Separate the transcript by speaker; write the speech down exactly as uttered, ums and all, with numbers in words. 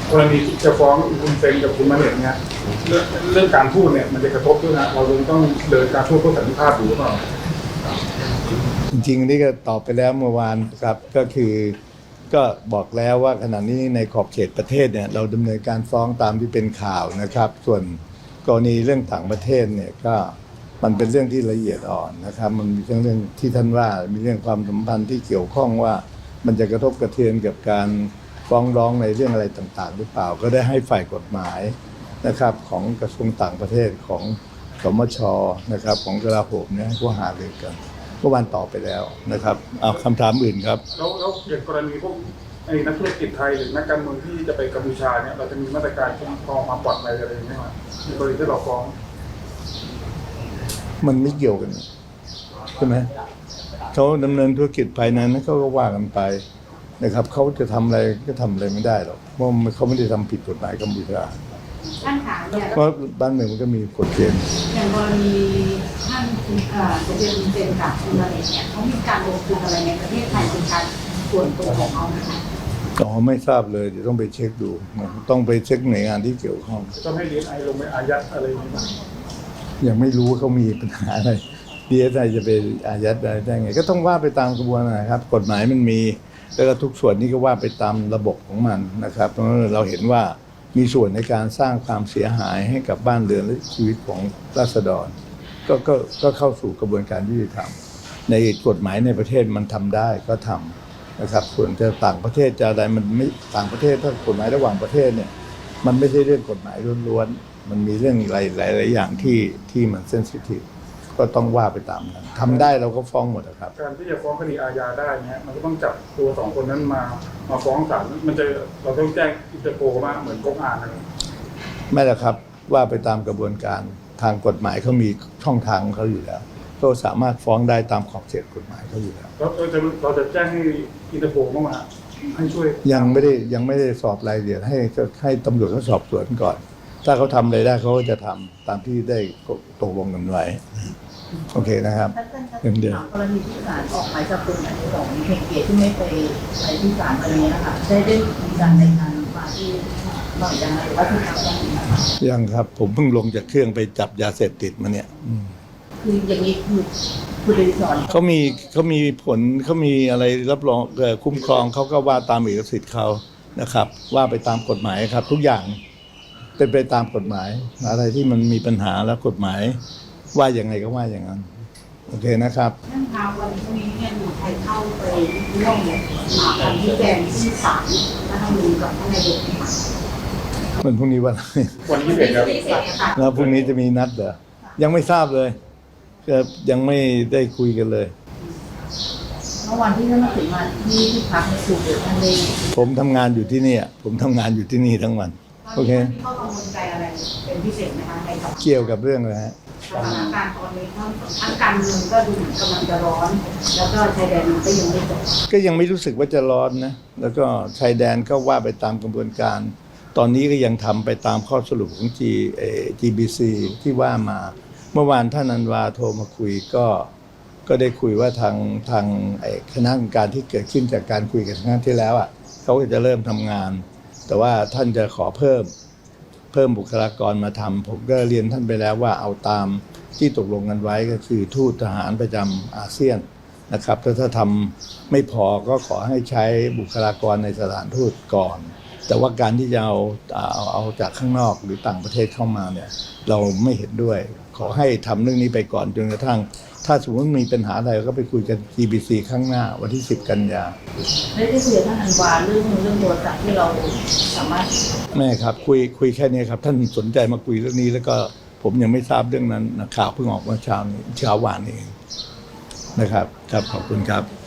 Speaker 1: กรณีที่จะฟ้องคุณเซนกับคุณมาเน็ตเนี่ยเรื่องเรื่องการพูดเนี่ยมันจะกระทบด้วยนะเราต้องเดินการพูดเพื่อสันติภาพอยู่หรือเปล่า
Speaker 2: จริงๆนี่ก็ตอบไปแล้วเมื่อวานครับก็คือก็บอกแล้วว่าขณะนี้ในขอบเขตประเทศเนี่ยเราดำเนินการฟ้องตามที่เป็นข่าวนะครับส่วนกรณีเรื่องต่างประเทศเนี่ยก็มันเป็นเรื่องที่ละเอียดอ่อนนะครับมันมีเรื่องเรื่องที่ท่านว่ามีเรื่องความสัมพันธ์ที่เกี่ยวข้องว่ามันจะกระทบกระเทือนกับการฟ้องร้องในเรื่องอะไรต่างๆหรือเปล่าก็ได้ให้ฝ่ายกฎหมายนะครับของกระทรวงต่างประเทศของสมชนะครับของกลาโหมเนี่ยก็หารือกันเมื่อวานตอบไปแล้วนะครับเอาคำถามอื่นครับ
Speaker 1: แล้วแล้วอย่างกรณีพวกไอ้นักธุรกิจไทยหรือนักการเมืองที่จะไปกัมพูชาเนี่ยเราจะมีมาตรการคุ้มครองความปลอดภัยอะไรไหมครับในกรณีที่เราฟ้อง
Speaker 2: มันไม่เกี่ยวกันใช่ไหมเขาดำเนินธุรกิจภายในนั้นเขาก็ว่ากันไปนะครับเขาจะทำอะไรก็ทำอะไรไม่ได้หรอกเพราะเขาไม่ได้ทำผิดกฎหมายกัมพูชา
Speaker 3: ท่านขาเนี่ย
Speaker 2: เพราะบ้านเมืองมันก็มีกฎเกณฑ์
Speaker 3: อย่างกรณีท่านคุณเอ่อจะเป็นคุณเจนกับคุณมาเลเนี่ยเขามีการลงทุนอะไรในประเทศไทยเป็นการส่วนตัวของเขาไหมคะ
Speaker 2: อ๋อไม่ทราบเลยเดี๋ยวต้องไปเช็คดูต้องไปเช็คหน่วยงานที่เกี่ยวข้อง
Speaker 1: ต้องให้ดีเอสไอลงไปอายัดอะไรอย่างนี้ไหม
Speaker 2: ยังไม่รู้ว่าเขามีปัญหาอะไรดีเอสไอจะไปอายัดอะไรได้ไงก็ต้องว่าไปตามกระบวนการนะครับกฎหมายมันมีแล้วก็ทุกส่วนนี้ก็ว่าไปตามระบบของมันนะครับเพราะเราเห็นว่ามีส่วนในการสร้างความเสียหายให้กับบ้านเรือนและชีวิตของราษฎรก็ก็ก็เข้าสู่กระบวนการยุติธรรมในกฎหมายในประเทศมันทำได้ก็ทำนะครับส่วนจะต่างประเทศจะอะไรมันไม่ต่างประเทศถ้ากฎหมายระหว่างประเทศเนี่ยมันไม่ใช่เรื่องกฎหมายล้วนๆมันมีเรื่องหลายหลายหลายอย่างที่ที่มันเซนซิทีฟก็ต้องว่าไปตามนั้นทำได้เราก็ฟ้องหมดนะครับ
Speaker 1: การที่จะฟ้องคดีอาญาได้เนี่ยมันก็ต้องจับตัวสองคนนั้นมามาฟ้องศาลมันจะเราต้องแจ้งอินเตอร์โพลมาเหมือนก๊กอ่านอะไร
Speaker 2: ไม่ละครับว่าไปตามกระบวนการทางกฎหมายเขามีช่องทางของเขาอยู่แล้วก็สามารถฟ้องได้ตามขอบเขตกฎหมายเขาอยู่แล้ว
Speaker 1: เราจะเราจะแจ้งให้อินเตอร์โพลมาให้ช่วย
Speaker 2: ยังไม่ได้ยังไม่ได้สอบรายละเอียดให้ให้ตำรวจเขาสอบสวนก่อนถ้าเขาทำอะไรได้เขาก็จะทำตามที่ได้ตกลงกันไว้โอเคนะครับ
Speaker 3: เดี๋ยวกรณีที่ศาลออกหมายจับกลุ่มของเคนเกตที่ไม่ไปไปที่ศาลอะไรนี้นะคะได้ได้มีการรายงานมาที่หน่อยยังไงหรือว่าที่ทำยัง
Speaker 2: ยังครับผมเพิ่งลงจากเครื่องไปจับยาเสพติดมาเนี่ย
Speaker 3: คืออย่างนี้คือผู้โดยสาร
Speaker 2: เขามีเขามีผลเขามีอะไรรับรองคุ้มครองเขาก็ว่าตามเอกสิทธิ์เขานะครับว่าไปตามกฎหมายครับทุกอย่างเป็นไปตามกฎหมายอะไรที่มันมีปัญหาแล้วกฎหมายว่าอย่างไงก็ว่าอย่างนั้นโอเคนะครับ
Speaker 3: เรื่องราววันนี้เนี่ยมีใครเข้าไปร่วมการที่แจงที่ศาลรัฐธรรมนูญกับท่านนายกไหมคะ
Speaker 2: วันพรุ่งนี้วันอะไร
Speaker 1: วันที่เด็กครับ
Speaker 2: แล้วพรุ่งนี้จะมีนัดเหรอยังไม่ทราบเลยก็ยังไม่ได้คุยกันเลย
Speaker 3: เมื่อวันที่ท่านมาถึงมาที่ที่พักในสูตรเดียวกันเลย
Speaker 2: ผมทำงานอยู่ที่นี่ผมทำงานอยู่ที่นี่ทั้งวันโอเค
Speaker 3: ข้อกังวลใจอะไรเป็นพิเศษไหมคะในกับ
Speaker 2: เกี่ยวกับเรื่องอะไรฮะ
Speaker 3: สถานการณ์ตอนนี้ทั้งการเมืองก็ดูเหมือนกำลังจะร้อนแล้วก็ชายแดนมันก็ยังไม่จบ
Speaker 2: ก็ยังไม่รู้สึกว่าจะร้อนนะแล้วก็ชายแดนก็ว่าไปตามกระบวนการตอนนี้ก็ยังทำไปตามข้อสรุปของ G เอ่อ จี บี ซี ที่ว่ามาเมื่อวานท่านอันวาโทรมาคุยก็ก็ได้คุยว่าทางทางคณะกรรมการที่เกิดขึ้นจากการคุยกันครั้งที่แล้วอ่ะเขาก็จะเริ่มทำงานแต่ว่าท่านจะขอเพิ่มเพิ่มบุคลากรมาทำผมก็เรียนท่านไปแล้วว่าเอาตามที่ตกลงกันไว้ก็คือทูตทหารประจำอาเซียนนะครับถ้าถ้าทำไม่พอก็ขอให้ใช้บุคลากรในสถานทูตก่อนแต่ว่าการที่จะเอาเอาเอาจากข้างนอกหรือต่างประเทศเข้ามาเนี่ยเราไม่เห็นด้วยขอให้ทำเรื่องนี้ไปก่อนจนกระทั่งถ้าสมมติมีปัญหาอะไรก็ไปคุยกัน จี บี ซี ข้างหน้าวันที่สิบกันยา
Speaker 3: ได้ได้คุยกับท่านอันวาเรื่องเรื่องโทรศัพท์ที่เราสามารถ
Speaker 2: แม่ครับคุยคุยแค่นี้ครับท่านสนใจมาคุยเรื่องนี้แล้วก็ผมยังไม่ทราบเรื่องนั้นนะข่าวเพิ่งออกเมื่อเช้านี้เช้าวานนี้นะครับครับขอบคุณครับ